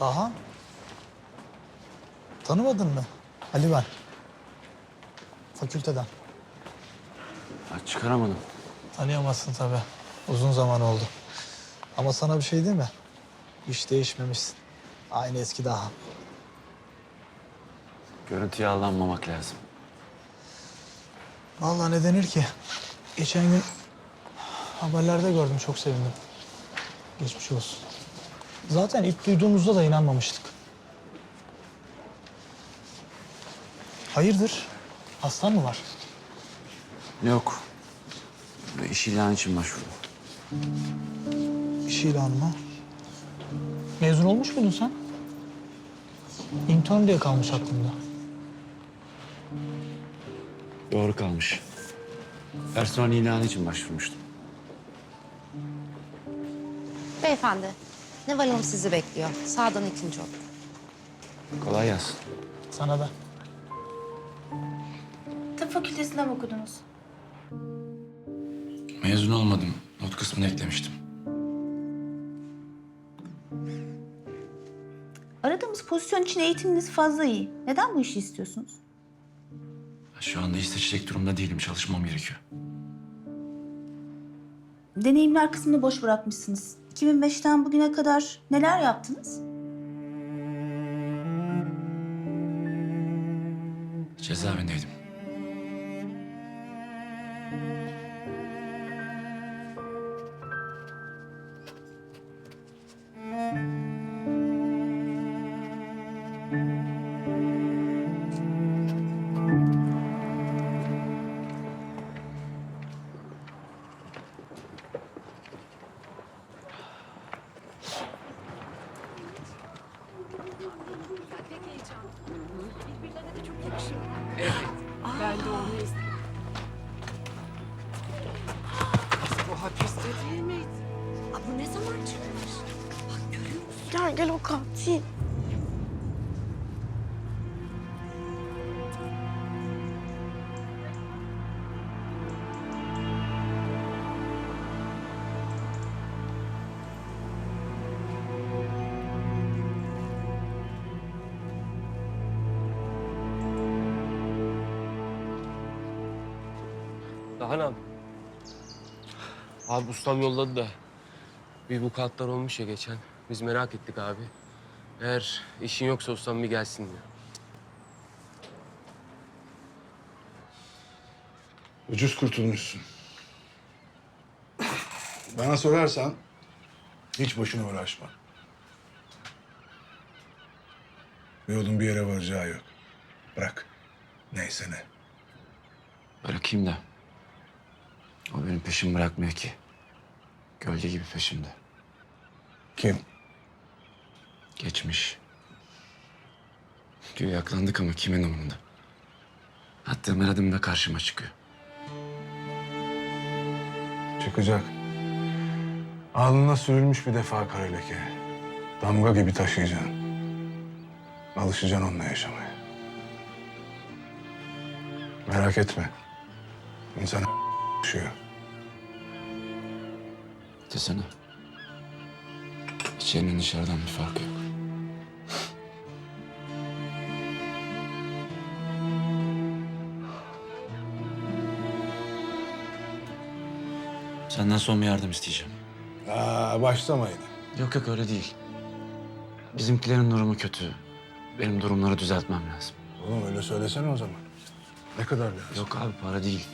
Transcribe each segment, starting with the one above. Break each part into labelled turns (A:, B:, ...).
A: Aha. Tanımadın mı? Ali ben. Fakülteden.
B: Ya çıkaramadım.
A: Tanıyamazsın tabii. Uzun zaman oldu. Ama sana bir şey değil mi? Hiç değişmemişsin. Aynı eski daha.
B: Görüntüye aldanmamak lazım.
A: Vallahi ne denir ki? Geçen gün haberlerde gördüm, çok sevindim. Geçmiş olsun. Zaten ilk duyduğumuzda da inanmamıştık. Hayırdır? Hastan mı var?
B: Yok. İş ilanı için başvurdum.
A: İş ilanı mı? Mezun olmuş muydun sen? İntern diye kalmış aklımda.
B: Doğru kalmış. Personel ilanı için başvurmuştum.
C: Beyefendi, Neval Hanım sizi bekliyor. Sağdan ikinci oda.
B: Kolay gelsin.
A: Sana da.
D: Tıp fakültesinde mi okudunuz?
E: Mezun olmadım. Not kısmını eklemiştim.
D: Aradığımız pozisyon için eğitiminiz fazla iyi. Neden bu işi istiyorsunuz?
E: Şu anda iş seçecek durumda değilim. Çalışmam gerekiyor.
D: Deneyimler kısmını boş bırakmışsınız. 2005'ten bugüne kadar neler yaptınız?
E: Cezaevindeydim.
F: Ben de onu istedim. Bu hapiste değil miydi?
C: Bu ne zaman çıkmış? Bak görüyor musun?
F: Gel gel o katil.
G: Dahanan. Abi ustam yolladı da bir vukuatlar olmuş ya geçen. Biz merak ettik abi. Eğer işin yoksa ustam bir gelsin diyor.
H: Ucuz kurtulmuşsun. Bana sorarsan hiç boşuna uğraşma. Yolun bir yere varacağı yok. Bırak. Neyse ne.
B: Bırakayım da. O benim peşimi bırakmıyor ki. Gölge gibi peşimde.
H: Kim?
B: Geçmiş. Güya yaklandık ama kimin umurunda? Attığım her adımda karşıma çıkıyor.
H: Çıkacak. Alnına sürülmüş bir defa kara leke. Damga gibi taşıyacaksın. Alışacaksın onunla yaşamaya. Merak etme. İnsan düşüyor.
B: Desene. İçerinin dışarıdan bir farkı yok. Senden son bir yardım isteyeceğim.
H: Başlama yine.
B: Yok yok öyle değil. Bizimkilerin durumu kötü. Benim durumları düzeltmem lazım.
H: Oğlum öyle söylesene o zaman. Ne kadar lazım?
B: Yok abi para değil.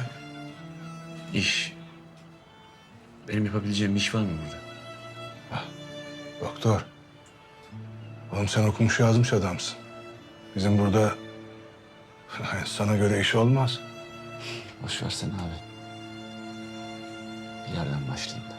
B: İş. Benim yapabileceğim bir iş var mı burada?
H: Doktor. Oğlum sen okumuş yazmış adamsın. Bizim burada sana göre iş olmaz.
B: Boş versene abi. Bir yerden başlayayım da.